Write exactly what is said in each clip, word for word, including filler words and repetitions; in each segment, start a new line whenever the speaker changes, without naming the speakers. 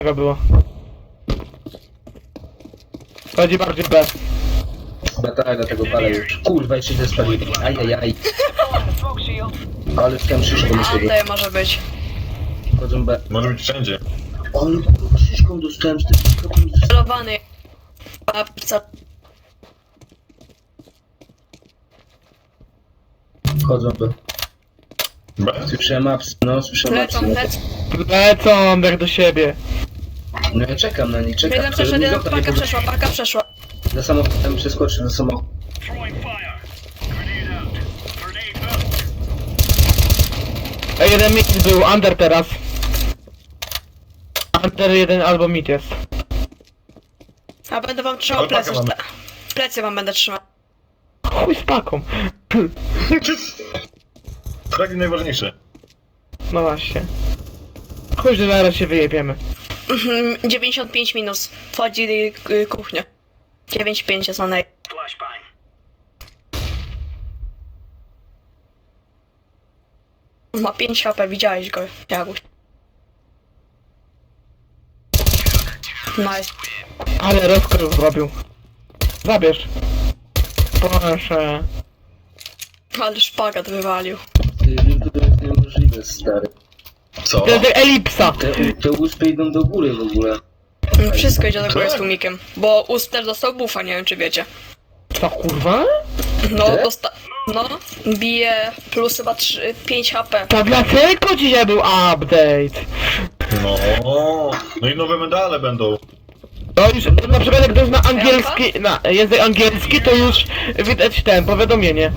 Tego było. Chodzi bardziej B.
Chyba tak, dlatego palę już. Kurwa, jeszcze źle spaliłem. Ajajaj. Ale chciałem szyszką do siebie.
Tutaj może być.
Chodzą B.
Może być wszędzie.
Ale kurwa, szyszką dostałem czterdzieści procent.
Celowany. Papca.
Chodzą B.
B?
Słyszałem apsy, no słyszałem
Lecą,
apsy.
lecą.
Lecą jak do siebie.
No ja czekam na nich, czekam.
Jeden przeszedł,
Żeby mi
jeden
został, nie
paka
pod-
przeszła, paka przeszła.
Za samochodem przeskoczył, za samochodem.
A jeden mid był, under teraz. Under jeden albo mid jest.
A będę wam trzymał
Ale pakę
plecy.
mamy.
Plecy wam będę trzymał.
Chuj z paką.
Fragi najważniejsze.
No właśnie. Chuj, że zaraz się wyjebiemy.
Mhm, dziewięćdziesiąt pięć minus. Wchodzi y, kuchnia. dziewięćdziesiąt pięć jest na nej. Ma pięć H P, widziałeś go, Jaguś. Nice.
Ale rozkryw zrobił. Zabierz. Proszę.
Ale szpagat wywalił.
Ty, to jest niemożliwe, stary.
Co?
To jest elipsa.
Te, te uspy idą do góry w ogóle.
No, wszystko idzie do góry z
Tak.
tłumikiem. Bo Ust też dostał buffa, nie wiem czy wiecie.
Co kurwa?
No,
Tak?
dosta... No, bije plus chyba trzy, pięć H P.
To dlaczego dzisiaj był update?
No. No i nowe medale będą.
To już na przykład jak ktoś na angielski, na język angielski, to już widać ten powiadomienie.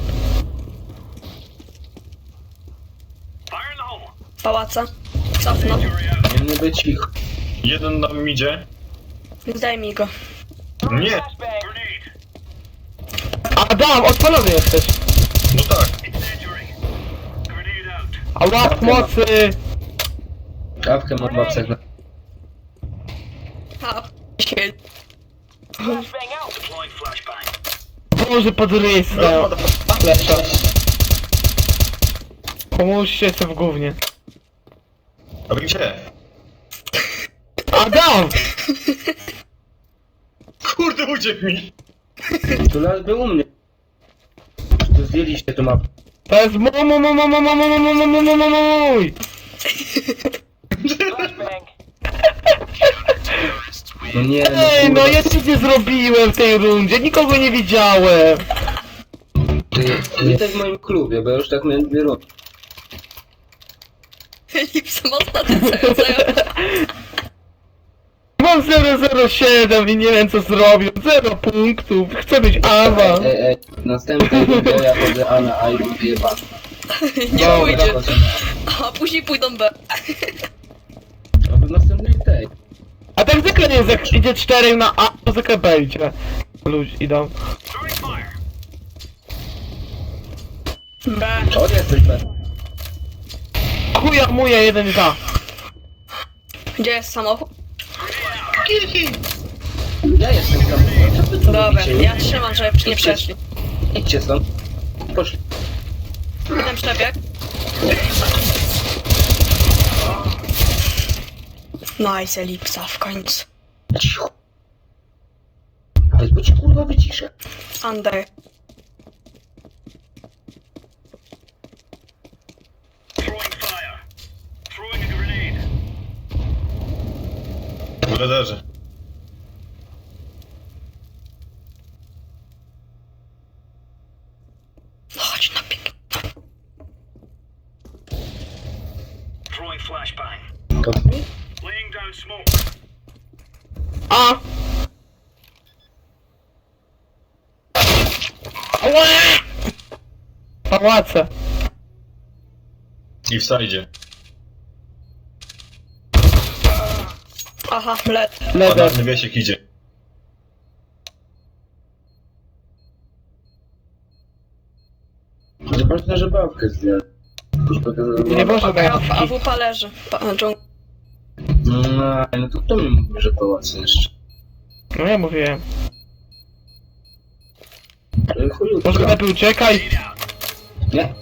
Pałaca. Cofno.
Nie, nie być ich.
Jeden nam idzie.
Daj mi go.
Nie.
Adam, odpalony jesteś.
No tak.
A łap mocy.
Kawkę mam w apsach.
A, się.
Boże, pod rysę. Lepsza. Pomóżcie sobie w gównie.
A wy gdzie?
Adam!
Kurde, uciekł mi.
Tu las był u mnie. Tu zdjęliście tu mapę.
To jest mu mu mu mu mu mu mu mu mu mu mu mu mój!
No nie, no
Ej, no
kurwa.
ja nic nie zrobiłem w tej rundzie, nikogo nie widziałem.
Ty, nie tak w moim klubie, bo ja już tak miałem dwie rundy.
Lipsem ostatnio co
Mam zero zero siedem i nie wiem co zrobię, zero punktów, chcę być awans.
Ej, ej, w następnej rundzie ja chodzę A na A i mam wyjebane.
Nie
Dobra,
pójdzie.
chodzę na
A później pójdą B.
A. No bo w następnej tej.
A tak zwykle nie jest, jak idzie cztery na A, to zwykle B idzie. Ludzie idą.
B.
O, nie jesteś B.
Chuja muja jeden za.
Gdzie jest samochód?
Ja jestem tam. Co wy tu
Dobra,
robicie?
ja trzymam, żeby nie przeszli.
Idźcie stąd. Poszli.
Jeden przebieg. Nice, Elipsa w końcu.
Cicho. Ale bo ci kurwa wyciszę.
Under.
W radarze.
Chodź na pik.
To
A! Ała! Pałace.
I w sajdzie.
Aha, led.
Leder.
Banalny wiesiek idzie.
Zobaczcie, że babkę zdjąłem.
Nie może
A,
być.
a W P leży. Pa, dżung-
No, no to kto mi mówi, że pałace jeszcze?
No ja mówiłem.
Ale chujutka.
Może lepiej uciekaj.
Nie?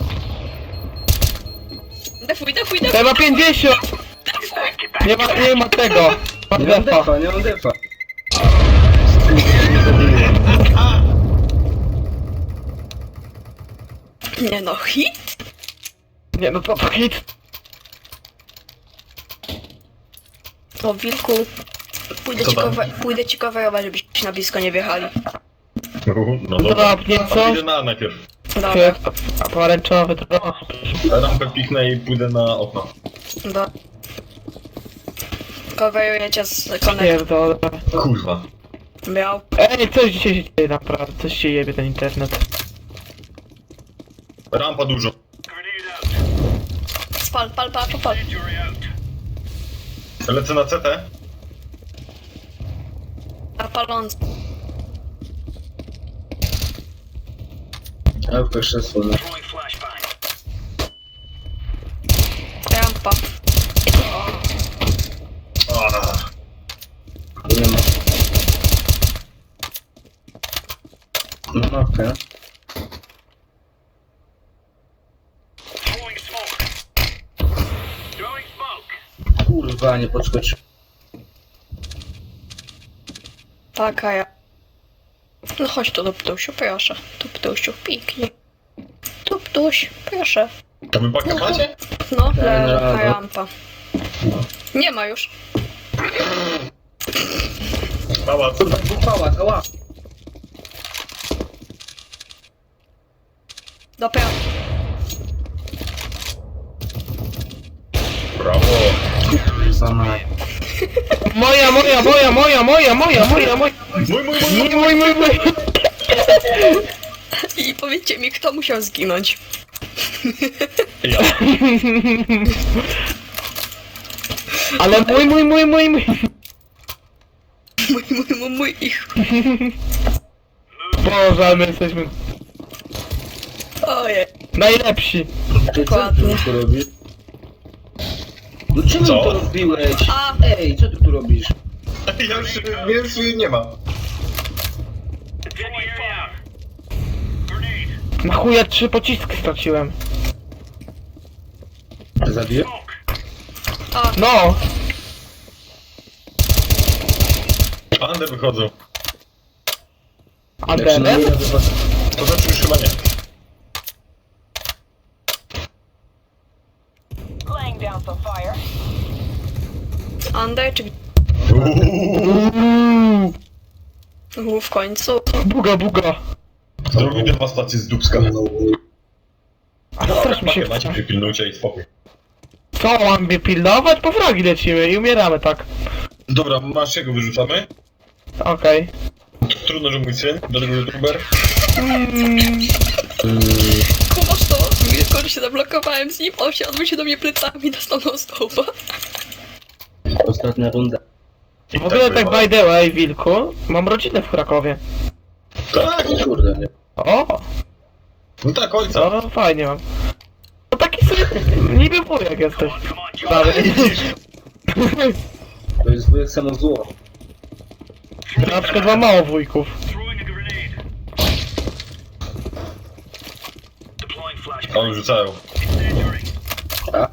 Defuj, defuj, defuj.
Trzeba pięćdziesiąt! Nie ma, nie ma tego. Masz
Nie mam
defa.
defa, nie mam defa.
Nie no, hit?
Nie no to to hit.
To wilku, pójdę
Co
ci,
tam?
cover, pójdę ci coverować, żebyście na blisko nie wjechali.
No dobra.
Drobnie,
A
co?
idę na najpierw.
Dobra,
A pomarańczowy drop.
Rampę piknę i pójdę na okno.
do... Coverujecie z konektorem.
Pierdolę.
Kurwa.
Miał.
Ej, coś dzisiaj się dzieje naprawdę, coś się jebie ten internet.
Rampa dużo.
Spal, pal, pal, pal, pal.
Lecę na C T.
A paląc.
A w krzesło, no.
Rampa.
Ah.
Nie ma. No mapkę. Kurwa, nie podskoczył.
Taka ja. No chodź tu do ptusiu, proszę. Tu ptusiu, piknij. Tu ptuś, proszę.
To wy baka macie?
No,
Ja
leży
nie radzę.
rampa. Nie ma już.
Pałac.
Kurwa, dwóch pałac, ała!
Dobra.
Brawo.
Kurwa, mać.
Moja, moja, moja, moja, moja, moja, moja, moja.
Mój, mój, mój,
Mój, mój, mój, mój.
I powiedzcie mi, kto musiał zginąć.
Ja.
Ale mój, mój, mój, mój, mój.
Mój, mój, mój, mój ich.
Boże, ale my jesteśmy
Ojej.
najlepsi.
Ty co ty tu robisz? No czemu
Co?
to robiłeś?
A.
Ej, co ty tu robisz?
Ja już, mnie już nie ma.
Na chuja trzy pociski straciłem.
Zabiję?
A,
No.
Under wychodzą.
A
Jak się
Denem?
nie da, to was-
To znaczy już chyba nie.
Laying down some fire.
Under czy...
Uuu.
U, w końcu.
Buga, buga.
Zrobię dewastację z dubska.
A też mi się
Pakę macie,
chce.
przypilnujcie i spokój.
Co, mam mnie pilnować? Po fragi lecimy i umieramy tak.
Dobra, masz jego wyrzucamy?
Okej.
Trudno, że mój syn, do tego youtuber.
Kumasz to? Wilko, że się zablokowałem z nim, on się odbył się do mnie plecami, dostał no stopa.
Ostatnia runda.
I
W ogóle tak
bywa.
by the way, Wilku, mam rodzinę w Krakowie.
Tak,
Kurde, nie.
O,
no tak, ojca.
to fajnie mam. No taki sobie niby wujek jesteś. Dalej.
To jest wujek samo zło.
Na przykład mam mało wujków.
Oni rzucają.
A?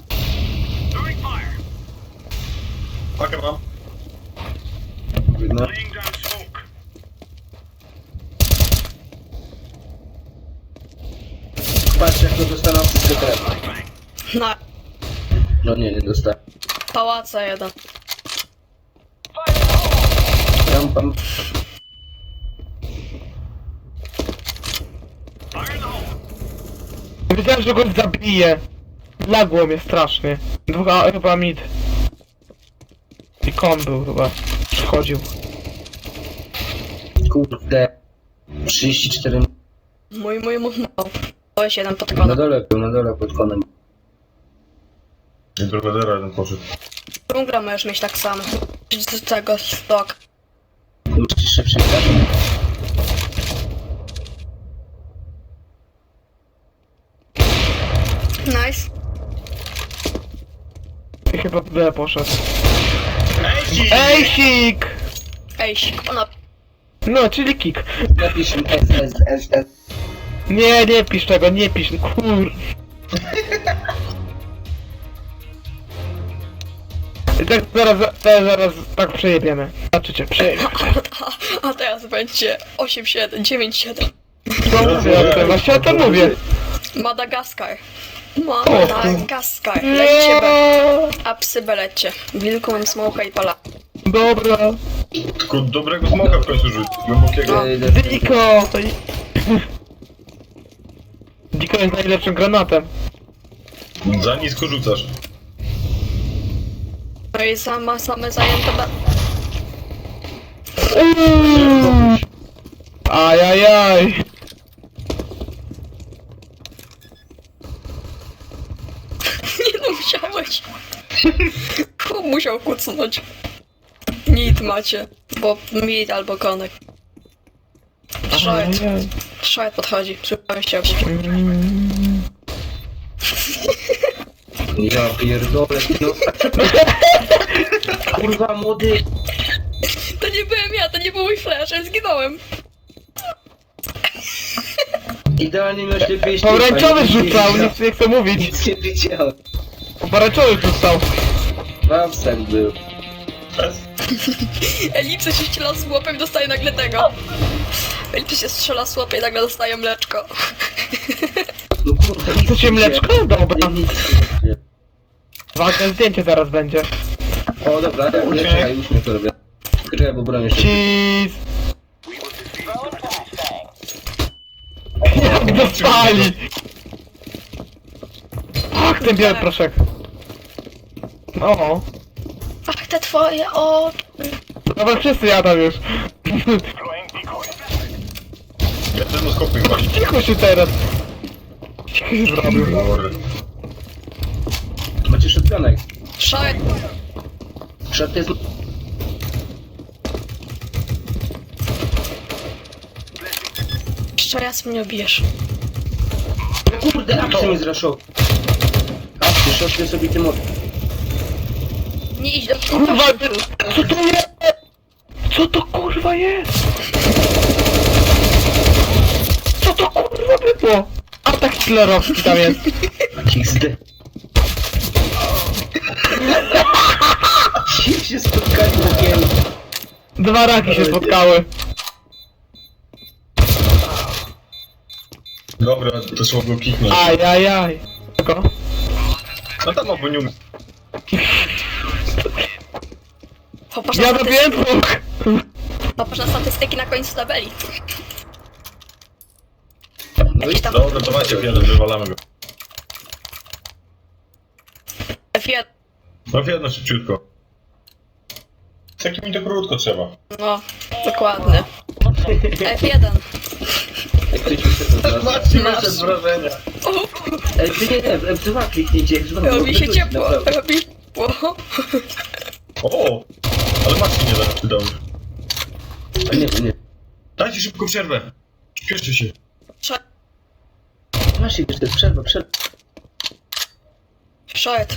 Pakę mam.
No. Patrz jak to dostaną wszystkie drewno.
Na
No nie, nie dostałem.
pałaca jeden.
Rampa.
Wiedziałem, że go zabiję. Lagło mnie strasznie. Dwóch, a, chyba mid. I kon był chyba. Przychodził.
Kurde. trzydzieści cztery.
Mój, mój, mój, mój. To jest jeden pod
Na
konem.
dole był, na dole pod konem.
I prowadzera jeden poszedł.
Dżungla możesz mieć tak samo. Z tego stok.
Musisz się przyjechać.
Nice.
I chyba B poszedł.
Ej,
Ejsik!
Ej, ona...
No, czyli kick.
Napisz mi S, S, S, S.
Nie, nie pisz tego, nie pisz. Kur... I tak zaraz, zaraz, zaraz tak przejebiemy. Zobaczycie, przejebiemy.
A, a teraz będzie osiem siedem, dziewięć siedem.
No mówię o tym, właśnie o tym mówię.
Madagaskar. Madagaskar. Lećcie B. A psy B lećcie. Wilku mam smoka i pala.
Dobra.
Tylko dobrego smoka w końcu rzuć, głębokiego.
No.
Diko! To i- Diko jest najlepszym granatem.
Za nisko rzucasz.
No i sama, same zajęte B.
Uuuu. Ajajaj.
Nie no, musiałeś. Chłop musiał kucnąć. Nit macie. Bo mid albo konek. Short.
Ajajaj.
Short podchodzi. Słuchaj się.
Mm.
Ja pierdolę, no. Kurwa, młody.
To nie byłem ja, to nie był mój flash, ja zginąłem.
Idealnie miałeś lepiej
Pomarańczowy rzucał, nic nie chcę mówić.
Nic nie widziałem.
Pomarańczowy rzucał.
Wawsak był.
Elipsy się strzela z łopem i dostaje nagle tego. Elipsy się strzela z łopem i nagle dostaje mleczko.
No kurwa, nic
Chcecie
nie
mleczko?
widziałem.
Dobra.
Nic nie widziałem.
Ważne zdjęcie zaraz będzie.
O dobra, ja
Okej.
czekaj, już mnie to robię. Czekaj, bo bronię się.
Cheese. Jak dostali! Ach, ten biały proszek. O,
Ach, te twoje o.
dobra, wszyscy jadą już.
Ja też no skopy właśnie.
Cicho się teraz. Cicho się zrobił.
Dobra.
Macie szepionek.
Short.
Szat jest...
Jeszcze raz mnie obijesz.
Kurde, apsy mnie zraszował. Apsy, szotkę sobie tym od...
Nie idź do
Kurwa, co to jest? Co to kurwa jest? Co to kurwa było? Atak hitlerowski tam jest.
X D. Ci się spotkali w okienku.
Dwa raki się spotkały.
Dobra, to słowo kiknąć.
Ajajaj. Czego?
No tam oboniu.
Popatrz na,
Ja
statystyki,
robiłem dwóch.
popatrz na statystyki na końcu tabeli.
No i
Jakiś tam
Dobra, to macie jeden, wywalamy go.
F jeden.
No jedno szybciutko. Z takim to krótko trzeba.
No, dokładnie. F jeden.
jak ktoś mi się to zna.
Macie
Masz.
jeszcze wrażenia.
Ej, ty nie, nie, w F dwa kliknijcie, jak znowu.
Robi się
wrócić,
ciepło,
naprawdę.
robi ciepło.
O, ale Maxi nie da, przydał.
A nie, nie.
Dajcie szybko przerwę. Śpieszcie się.
Masz jeszcze przerwa, przerwa.
Short.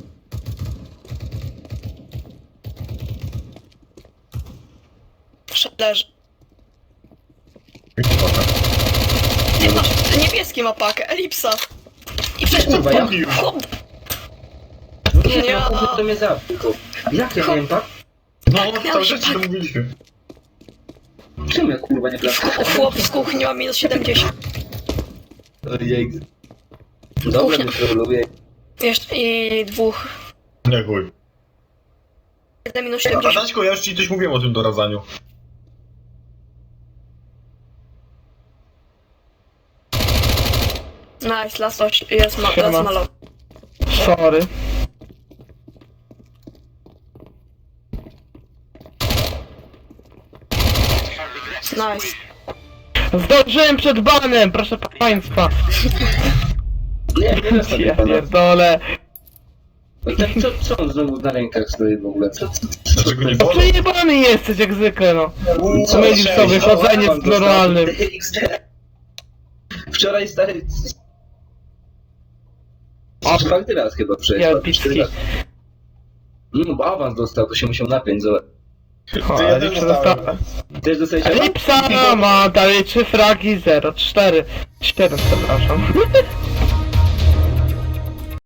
Short leży. Nie masz, niebieski ma pakę, elipsa. I przecież
Kurwa, ja-
chłop,
Nie,
Nie.
no chłopie to mnie zabił. Jak ja wiem, tak?
No, cały czas ci to mówiliśmy.
Czym ja kurwa nie klaszczę?
chłop z kuchni ma minus siedemdziesiąt.
Ojej. Dobra, mnie troluje.
Jeszcze i dwóch.
Nie chuj.
Jeden minus
A
siedemdziesiąt.
Daćko, ja już ci coś mówiłem o tym doradzaniu.
Nice, last oś, jest ma,
Siema.
last malo.
Sorry.
Nice.
Zdążyłem przed banem, proszę państwa.
Nie, nie na sobie
Ja
pana.
pierdolę.
No tak, co, co on znowu na rękach stoi w ogóle? Co, co, co,
Dlaczego nie
No
wolno?
przejebany jesteś jak zwykle, no.
co?
Mylisz sobie chodzenie
Awan
z normalnym.
dostał. X D. Wczoraj stary...
O.
Czwarty raz chyba
Ja
przejechał.
picki.
No bo awans dostał, to się musiał napiąć, zobacz.
O,
To ja
ale
też
co
dostałem.
dostałem?
Też dostałeś awans?
Elipsa ma dalej trzy fragi, zero, cztery, siedem, przepraszam.